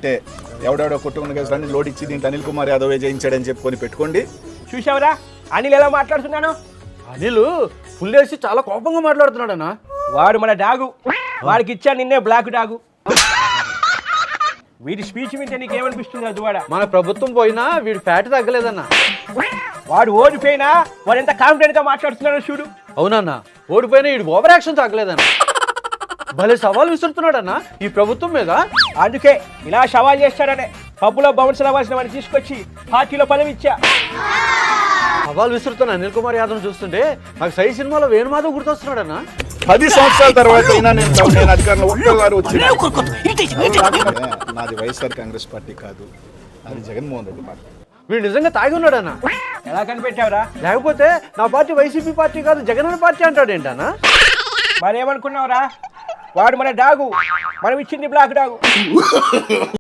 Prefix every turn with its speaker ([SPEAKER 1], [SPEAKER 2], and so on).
[SPEAKER 1] అంటే ఎవడెవడో కుటుంబ కేసులన్నీ లోడ్ ఇచ్చి దీంట్లో అనిల్ కుమార్ యాదవ్ జయించాడని చెప్పుకొని పెట్టుకోండి.
[SPEAKER 2] చూసావురా అనిల్ ఎలా మాట్లాడుతున్నాను?
[SPEAKER 3] అనిల్ ఫుల్ వేసి చాలా కోపంగా మాట్లాడుతున్నాడన్నా.
[SPEAKER 2] వాడు మన డాగు, వాడికి ఇచ్చా నిన్నే బ్లాక్ డాగు. వీడి స్పీచ్ వింటే నీకేమనిపిస్తుంది అదువాడ?
[SPEAKER 3] మన ప్రభుత్వం పోయినా వీడి ఫ్యాట్ తగ్గలేదన్నా.
[SPEAKER 2] వాడు ఓడిపోయినా వాడు ఎంత కాన్ఫిడెంట్ గా మాట్లాడుతున్నాడో చూడు.
[SPEAKER 3] అవునన్నా, ఓడిపోయినా వీడి ఓవర్ యాక్షన్ తగ్గలేదన్నా. భలే సవాల్ విసురుతున్నాడన్నా ఈ ప్రభుత్వం మీద.
[SPEAKER 2] అందుకే ఇలా సవాల్ చేస్తాడనే పబ్బులో బౌన్స్ అవ్వాల్సిన వాడిని తీసుకొచ్చి పార్టీలో పదవి ఇచ్చా.
[SPEAKER 3] సవాల్ విసురుతున్న అనిల్ కుమార్ యాదవ్ చూస్తుంటే నాకు సై సినిమాలో వేణుమాధవ్ గుర్తొస్తున్నాడన్నా.
[SPEAKER 1] 10 సంవత్సరాల తర్వాత అయినా నేను అధికారంలో ఒక్కసారి వచ్చిన నాది వైఎస్ఆర్ కాంగ్రెస్ పార్టీ కాదు, అది జగన్మోహన్ రెడ్డి పార్టీ.
[SPEAKER 3] వీడు నిజంగా తాగి ఉన్నాడన్నా.
[SPEAKER 2] ఎలా కనిపెట్టావురా?
[SPEAKER 3] లేకపోతే నా పార్టీ వైసీపీ పార్టీ కాదు జగన్ పార్టీ అంటాడు ఏంటన్నా?
[SPEAKER 2] మరేమనుకున్నావురా? వాడు మన డాగు, మనం ఇచ్చింది బ్లాక్ డాగు.